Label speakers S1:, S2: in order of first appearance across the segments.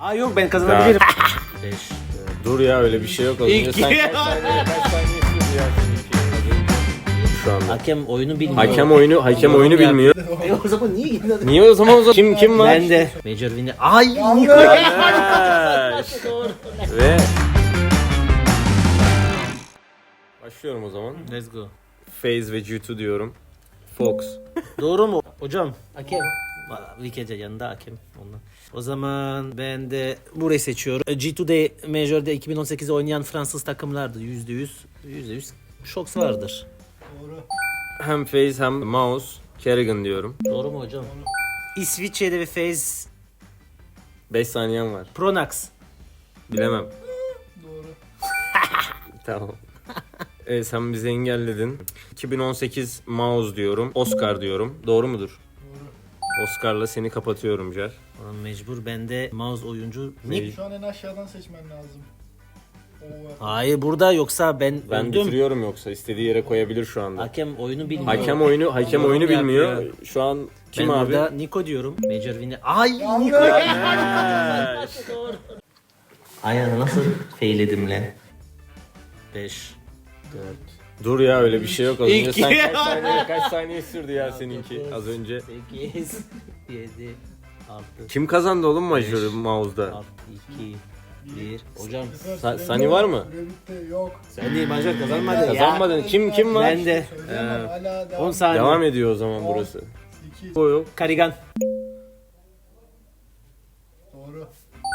S1: Aa yok ben kazanabilirim. 5.
S2: Dur ya öyle bir şey yok. Az önce
S1: İki.
S2: sen kaç saniye sürdü ya seninki? Şu anda.
S1: Hakem oyunu bilmiyor.
S2: Hakem oyunu bilmiyor.
S1: O zaman niye gittin?
S2: Niye o zaman kim var?
S1: Ben de. Major Winner. Ay Niko.
S2: Yanlış. Ve başlıyorum o zaman.
S1: Let's go.
S2: FaZe ve G2 diyorum. Fox.
S1: Doğru mu? Hocam hakem. Wikece yanında hakem ondan. O zaman ben de burayı seçiyorum. G2'de Major'da 2018'de oynayan Fransız takımlardı. %100 Shox vardır.
S2: Hem FaZe hem Mouse. Kerrigan diyorum.
S1: Doğru mu hocam? İsviçre'de ve FaZe
S2: 5 saniyem var.
S1: Pronax.
S2: Bilemem. Doğru. Tamam. Sen bizi engelledin. 2018 Mouse diyorum. Oscar diyorum. Doğru mudur? Doğru. Oscar'la seni kapatıyorum Cer.
S1: Oğlum mecbur ben de mouse oyuncu.
S3: Şu an en aşağıdan seçmen lazım.
S1: Hayır burada yoksa ben
S2: Ben
S1: öldüm.
S2: bitiriyorum yoksa istediği yere koyabilir şu anda.
S1: Hakem oyunu bilmiyor.
S2: Hakem oyunu bilmiyor.
S1: yapıyor.
S2: Şu an kim
S1: ben
S2: abi?
S1: burada Niko diyorum. Major Winner. Ay Niko. Ayağını nasıl feyledim lan? 5 4
S2: Dur ya öyle bir şey yok. Az önce
S1: İki.
S2: sen kaç saniye sürdü ya seninki az önce.
S1: 8 7 6
S2: Kim kazandı oğlum Major'ı Mouse'da?
S1: 6 2 1 Hocam
S2: Sani var mı?
S3: Bitti yok.
S1: sen değil Major kazanmadı.
S2: Kazanmadın. Kim var?
S1: Ben de
S3: Söyleyemem hala
S1: 10
S3: devam.
S1: saniye.
S2: Devam ediyor o zaman burası.
S3: 2
S2: O yok.
S1: Karigan.
S3: doğru.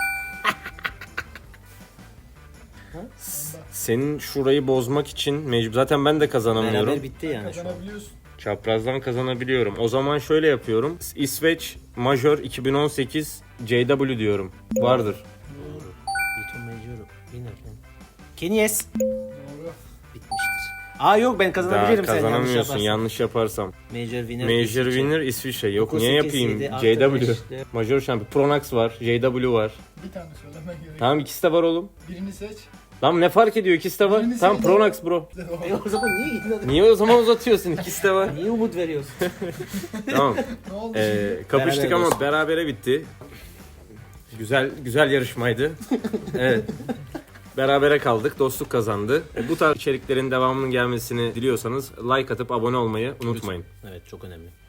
S2: Senin şurayı bozmak için mecbur. Zaten ben de kazanamıyorum.
S1: Beraber bitti yani şu an.
S3: Kazanabiliyorsun.
S2: Çaprazdan kazanabiliyorum. O zaman şöyle yapıyorum. İsveç Major 2018 JW diyorum. Vardır.
S1: Bütün Major winner. Kenyes.
S3: Doğru.
S1: Bitmiştir. Aa yok ben
S2: Daha
S1: kazanabilirim sen yanlış
S2: kazanamıyorsun
S1: yaparsan.
S2: yanlış yaparsam.
S1: Major winner.
S2: Major
S1: İsviçre.
S2: winner İsviçre. Yok
S1: 9,
S2: niye
S1: 8,
S2: yapayım?
S1: 7, 6,
S2: JW.
S1: 5, 4.
S2: Major şampiyon. Pronax var. JW var.
S3: Bir tane söylemen gerekiyor.
S2: Tamam ikisi de var oğlum.
S3: Birini seç.
S2: Tamam ne fark ediyor ikisi de var.
S3: Birini
S2: Tamam
S3: seç.
S2: Pronax bro.
S1: O zaman niye gittin?
S2: Niye o zaman uzatıyorsun ikisi de var.
S1: Niye umut veriyorsun?
S2: Tamam.
S3: Ne oldu şimdi?
S2: Kapıştık
S1: Beraber
S2: ama
S1: olsun.
S2: berabere bitti. Güzel yarışmaydı. Evet. Berabere kaldık. Dostluk kazandı. Bu tarz içeriklerin devamının gelmesini diliyorsanız like atıp abone olmayı unutmayın.
S1: Evet çok önemli.